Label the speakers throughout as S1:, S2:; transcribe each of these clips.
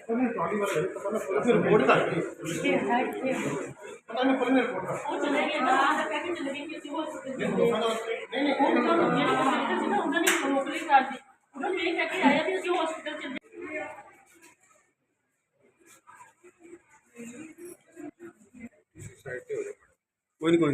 S1: कोई नहीं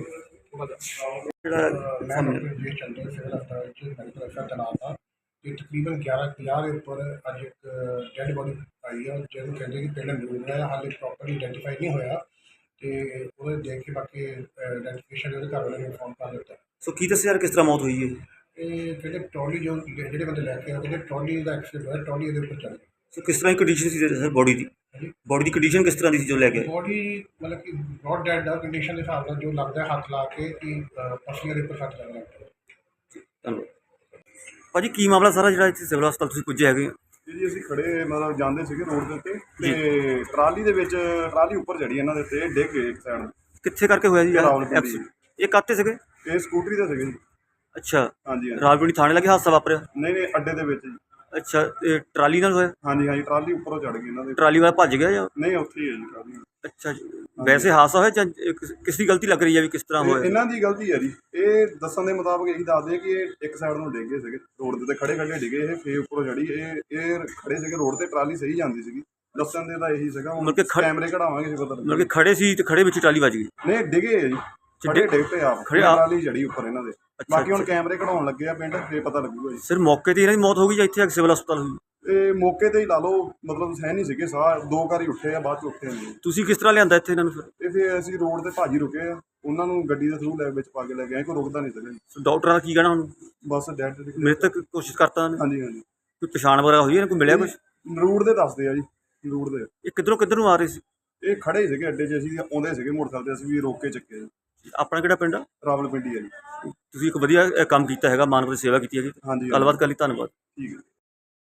S1: तकरीबन 11:50 के उपर अज एक डैड बॉडी आई है जिन्होंने कहते कि पिंड नरूर है हाले प्रॉपरली आइडेंटिफाई नहीं होया तो देख के बाकी आइडेंटिफिकेशन घर वाले ने इन्फॉर्म कर दिता।
S2: सो की दस यार किस तरह मौत हुई है?
S1: जो ट्रॉली जो जो बंदे लैके आए ट्रॉली का एक्सीडेंट होया ट्रॉली उपर चल गई।
S2: सो किस तरह की कंडीशन सी सर बॉडी की? बॉडी की कंडीशन किस तरह की जो लैके
S1: बॉडी मतलब कि नॉट डेड है कंडीशन के हिसाब से जो लगता है हाथ ला के कि पसलियां के उपर सट लग रहा है।
S2: भाजी की मामला सारा जो इतने सिविल हस्पताल तुसीं पुज्जे हैगे?
S3: जी ਅਸੀਂ ਖੜੇ ਮਤਲਬ ਜਾਂਦੇ ਸੀਗੇ ਰੋਡ ਦੇ ਉੱਤੇ ਤੇ ਟਰਾਲੀ ਦੇ ਵਿੱਚ ਟਰਾਲੀ ਉੱਪਰ ਚੜੀ ਇਹਨਾਂ ਦੇ ਉੱਤੇ ਡਿੱਗ ਗਏ ਇੱਕ ਸਾਈਡ।
S2: ਕਿੱਥੇ ਕਰਕੇ ਹੋਇਆ ਜੀ
S3: ਰਾਵਲਪਿੰਡੀ।
S2: ਇਹ ਕਾਹਤੇ ਸੀਗੇ?
S3: ਇਹ ਸਕੂਟਰੀ ਤੇ ਸੀਗੇ ਜੀ।
S2: ਅੱਛਾ
S3: ਹਾਂਜੀ ਹਾਂਜੀ।
S2: ਰਾਵਲਪਿੰਡੀ ਥਾਣੇ ਲੱਗੇ ਹਾਦਸਾ ਵਾਪਰਿਆ?
S3: ਨਹੀਂ ਨਹੀਂ ਅੱਡੇ ਦੇ ਵਿੱਚ ਜੀ।
S2: ਅੱਛਾ ਇਹ ਟਰਾਲੀ ਨਾਲ ਹੋਇਆ?
S3: ਹਾਂਜੀ ਹਾਂਜੀ ਟਰਾਲੀ ਉੱਪਰੋਂ ਚੜ ਗਈ ਇਹਨਾਂ ਦੇ।
S2: ਟਰਾਲੀ ਵਾਲਾ ਭੱਜ ਗਿਆ ਜਾਂ?
S3: ਨਹੀਂ ਉੱਥੇ ਹੀ ਹੈ ਜੀ ਟਰਾਲੀ।
S2: ਅੱਛਾ ਜੀ ਵੈਸੇ ਹਾਦਸਾ ਹੋਇਆ ਜਾਂ ਕਿਸ ਦੀ ਗਲਤੀ ਲੱਗ ਰਹੀ ਹੈ ਵੀ ਕਿਸ ਤਰ੍ਹਾਂ ਹੋਇਆ?
S3: ਇਹਨਾਂ ਦੀ ਗਲਤੀ ਹੈ ਜੀ। ਇਹ ਦੱਸਣ ਦੇ ਮੁਤਾਬਕ ਇਹੀ ਦੱਸਦੇ ਕਿ ਇਹ ਇੱਕ ਸਾਈਡ ਨੂੰ ਡਿੱਗ ਗਏ ਸੀਗੇ ਰੋਡ ਦੇ ਉੱਤੇ ਖੜੇ ਖੜੇ ਡਿੱਗੇ ਇਹ ਫੇਰ ਉੱਪਰੋਂ ਚੜੀ ਇਹ ਖੜੇ ਸੀਗੇ ਰੋਡ ਤੇ ਟਰਾਲੀ ਸਹੀ ਜਾਂਦੀ ਸੀਗੀ ਦੱਸਣ ਦੇ ਤਾਂ ਇਹੀ ਸੀਗਾ।
S2: ਮਤਲਬ ਕਿ
S3: ਕੈਮਰੇ ਕਢਾਵਾਂਗੇ ਜੀ ਪਤਾ
S2: ਮਤਲਬ ਕਿ ਖੜੇ ਸੀ ਤੇ ਖੜੇ ਵਿੱਚ ਟਰਾਲੀ ਵੱਜ ਗਈ?
S3: ਨਹੀਂ ਡਿੱਗੇ ਹੈ ਜੀ ਖੜੇ ਡਿੱਗ ਪਏ ਆਪ ਟਰਾਲੀ ਚੜੀ ਉੱਪਰ ਇਹਨਾਂ ਦੇ। ਬਾਕੀ ਹੁਣ ਕੈਮਰੇ ਕਢਾਉਣ ਲੱਗੇ ਆ ਪਿੰਡ ਫੇਰ ਪਤਾ ਲੱਗੂਗਾ ਜੀ।
S2: ਸਿਰ ਮੌਕੇ ਤੇ ਇਹਨਾਂ ਦੀ ਮੌਤ ਹੋ ਗਈ ਜਾਂ ਇੱਥੇ ਸਿਵਲ ਹਸਪਤਾਲ ਹੋਈ?
S3: ਇਹ ਮੌਕੇ ਤੇ ਹੀ ਲਾ ਲਓ ਮਤਲਬ ਸਹਿ ਨਹੀਂ ਸੀਗੇ ਸਾਹ ਦੋ ਵਾਰੀ ਉੱਠੇ ਆ ਬਾਅਦ ਚ ਉੱਠੇ ਨਹੀਂ।
S2: ਤੁਸੀਂ ਕਿਸ ਤਰ੍ਹਾਂ ਲਿਆਂਦਾ ਇੱਥੇ ਇਹਨਾਂ ਨੂੰ ਫਿਰ?
S3: ਤੇ ਫਿਰ ਅਸੀਂ ਰੋਡ ਤੇ ਭਾਜੀ ਰੁਕੇ ਆ ਉਹਨਾਂ ਨੂੰ ਗੱਡੀ ਦੇ ਥਰੂ ਲੈ ਵਿੱਚ ਪਾ ਕੇ ਲੈ ਗਏ ਕੋਈ ਰੁਕਦਾ ਨਹੀਂ ਸੀਗਾ ਜੀ।
S2: ਡਾਕਟਰਾਂ ਦਾ ਕੀ ਕਹਿਣਾ ਹੁਣ?
S3: ਬਸ ਡੈਡ
S2: ਮੇਰੇ ਤੱਕ ਕੋਸ਼ਿਸ਼ ਕਰਤਾ ਉਹਨੇ?
S3: ਹਾਂਜੀ ਹਾਂਜੀ।
S2: ਕੋਈ ਪਛਾਣ ਵਗੈਰਾ ਹੋਈ ਹੈ ਕੋਈ ਮਿਲਿਆ ਕੁਝ?
S3: ਰੂਟ ਦੇ ਦੱਸਦੇ ਆ ਜੀ ਰੂਟ ਦੇ।
S2: ਇਹ ਕਿੱਧਰ ਨੂੰ ਆ ਰਹੇ ਸੀ?
S3: ਇਹ ਖੜੇ ਸੀਗੇ ਅੱਡੇ 'ਚ ਅਸੀਂ ਆਉਂਦੇ ਸੀਗੇ ਮੋਟਰਸਾਈਕਲ ਤੇ ਅਸੀਂ ਵੀ ਰੋਕ ਕੇ ਚੱਕੇ ਜੀ।
S2: ਆਪਣਾ ਕਿਹੜਾ ਪਿੰਡ ਆ?
S3: ਰਾਵਲਪਿੰਡੀ ਆ ਜੀ।
S2: ਤੁਸੀਂ ਇੱਕ ਵਧੀਆ ਕੰਮ ਕੀਤਾ ਹੈਗਾ ਮਾਨਵ ਦੀ ਸੇਵਾ ਕੀਤੀ ਹੈਗੀ।
S3: ਹਾਂਜੀ
S2: ਗੱਲਬਾਤ ਕਰ ਲਈ ਧੰਨਵਾਦ।
S3: ਠੀਕ ਹੈ।